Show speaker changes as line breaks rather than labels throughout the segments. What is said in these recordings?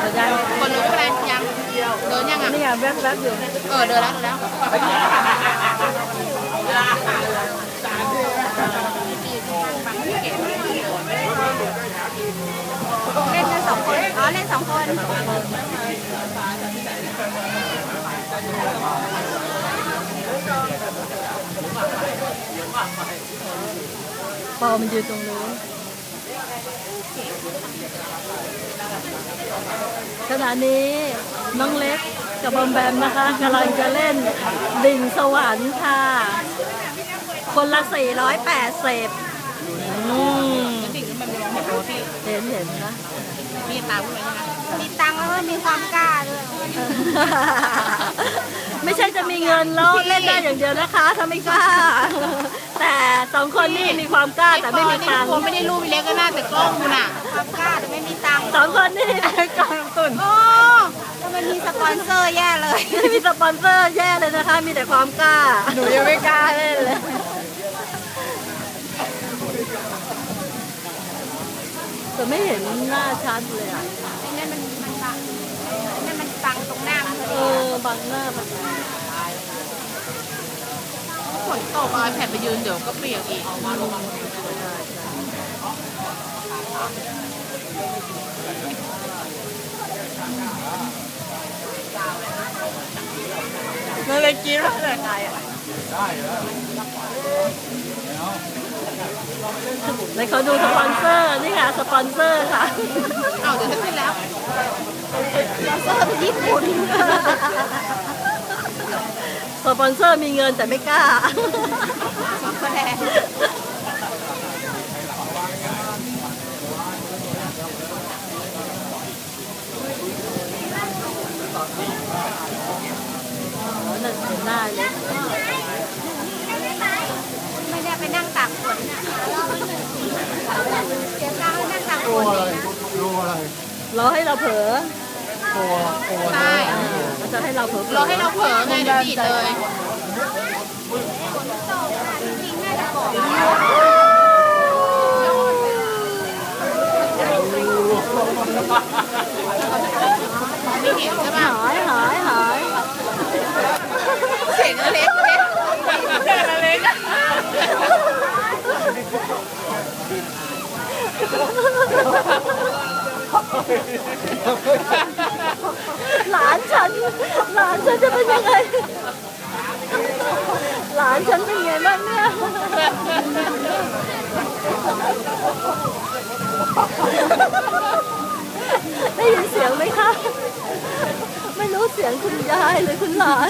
ยัง
คนรู้ไม่เป็นไรยังเดินยังอ่ะ
นี่ไงแวบๆอยู่
เดินแล้วเล่นกัน2 คนอ๋อเล่น2 คน
ปอมันยืนตรงนู้นขณะนี้น้องเล็กกับบอมแบมนะคะกำลังจะเล่นดิ่งสวรรค์ค่ะ คนละ480
ดิ่งขึ้นมาเป็นเห็นโรที่
เห็นนะ
มีตังค์ไหมนะมีตังค์แล้วก็มีความกล้าด้วย
ไม่ใช่จะมีเงินแล้วเล่นได้อย่างเดียวนะคะถ้าไม่กล้า แต่2 คนนี่มีความกล้าแต่ไม่มีตังค์
ผมไม่ได้รูปเล็กก็น่าแต่กล้องคุณอ่ะความกล้าแต่ไม่มีตังค์
2 คนนี่กองตุน
โอ้ถ้ามันมีสปอนเซอร์แย่เลย
ไม่มีสปอนเซอร์แย่เลยนะคะ มีแต่ความกล้าหนูยังไม่กล้าเล่นเลยแต่ไม่เห็นหน้าชัดเลยอ่ะ
ไอ้นั่นมันบังไอ้นั่นมันบังตรงหน้ามันพอ
เอ
ดี
บังหน้ามัน
ฝนตกเอาไอแพดไปยืนเดี๋ยวก็เปียกอีกนั่นเลยกินแล้วเลยไงอ่ะ
ในเขาดูสปอนเซอร์นี่ค่ะสปอนเซอร์ค่ะ
เอาเดี๋ยวจะขึ้นแล้วสปอนเซอร์เป็นญี่ปุ่น
สปอนเซอร์มีเงินแต่ไม่กล้า
แสดง
นั่นเห็นหน้าเล็ก
ไม่ได้ไปนั่งตากฝนน่ะเสียตังค์นั่งตากฝนเองนะ
รอให้เราเผลอ
ใช่
มันจะให้เราเผลอ
รอให้เราเผลอไงเดี๋ยวดีดเลยจริงๆน่าจะบอกไม่เห็นใช่ป่ะ
หาย
เสียงเล็กเล็ก
หลานฉันจะเป็นยังไง หลานฉันเป็นไงบ้างเนี่ยได้ยินเสียงไหมคะ ไม่รู้เสียงคุณยายหรือคุณหลาน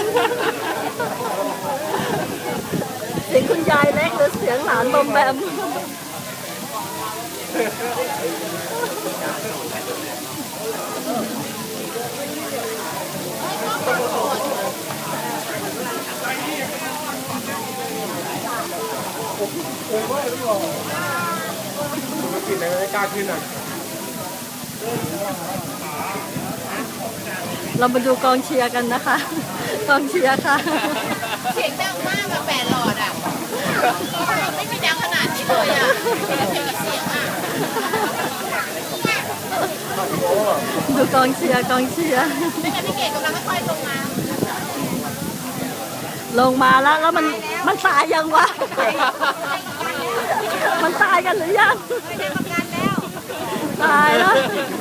เสียงคุณยายเล็กหรือเสียงหลานบอมแบม
กินอะไรไม่กล้าขึ้นอ่ะ
เรามาดูกองเชียร์กันนะคะ กองเชียร์ค่ะ
เสียงดังมากอะ8 หลอดอะไม่มีดังขนาดนี้เลยอะเสียงอะ
ดูกองเชียร์
ไม่งั้นพี่เกดกำลังค่อยๆลงมา
ลงมาแล้วมันตายยังวะ มันตายกันหรือยัง
ไม่ได้ประกันแล้ว
ตายแล้ว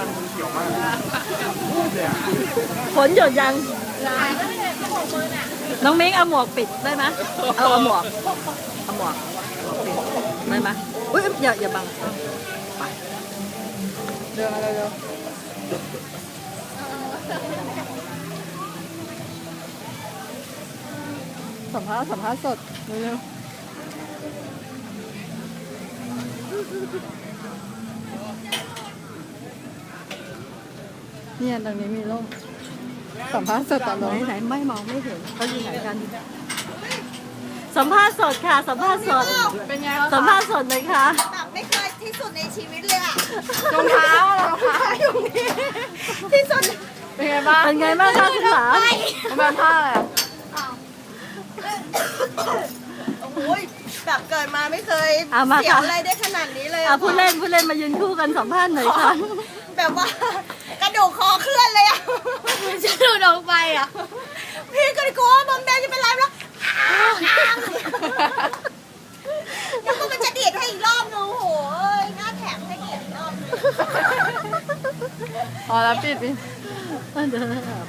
ฝนหยุดยัง
หลายแล้วเนี่ยเขาบอกมือน่ะ
น้องมิ้งเอาหมวกปิดได้ไหมเอาหมวกปิดได้ไหมอุ้ยอย่าบังไปเร็วสัมภาษณ์สดเร็วเนี่ยตรงนี้มีร่มสัมภาษณ์สดตลอดไหนไม่มองไม่เห็นเขาอยู่ไหนกัน สัมภาษณ์สดค่ะ สัมภาษณ์สด
เป็นไง
สัมภาษณ์สดเลยค่ะ
แบบไม่เคยที่สุดในชีวิตเลยอะ
รองเท้า
อยู่นี่ที่สุด
เป็นไงบ้าง
เป็นไงบ้างคะคุณหลาน
มาผ้าอะไรอะ
โอ้ยแบบเกิดมาไม่เคย
เอามา
เสีย
ค่ะ
อะไรได้ขนาดนี้เลย
พูดเล่นมายืนคู่กันสัมภาษณ์หน่อยค่ะ
แบบว่ากระดูกคอเคลื่อนเลยอ่ะพี่ก็เลยกลัวว่าบอมแดงจะเป็นไรแล้วแล้วก็มันจะดีดให้อีกรอบนึงโอ้โหหน้าแข็งให้ดีดอีกรอบนึง
พอแล้วปิด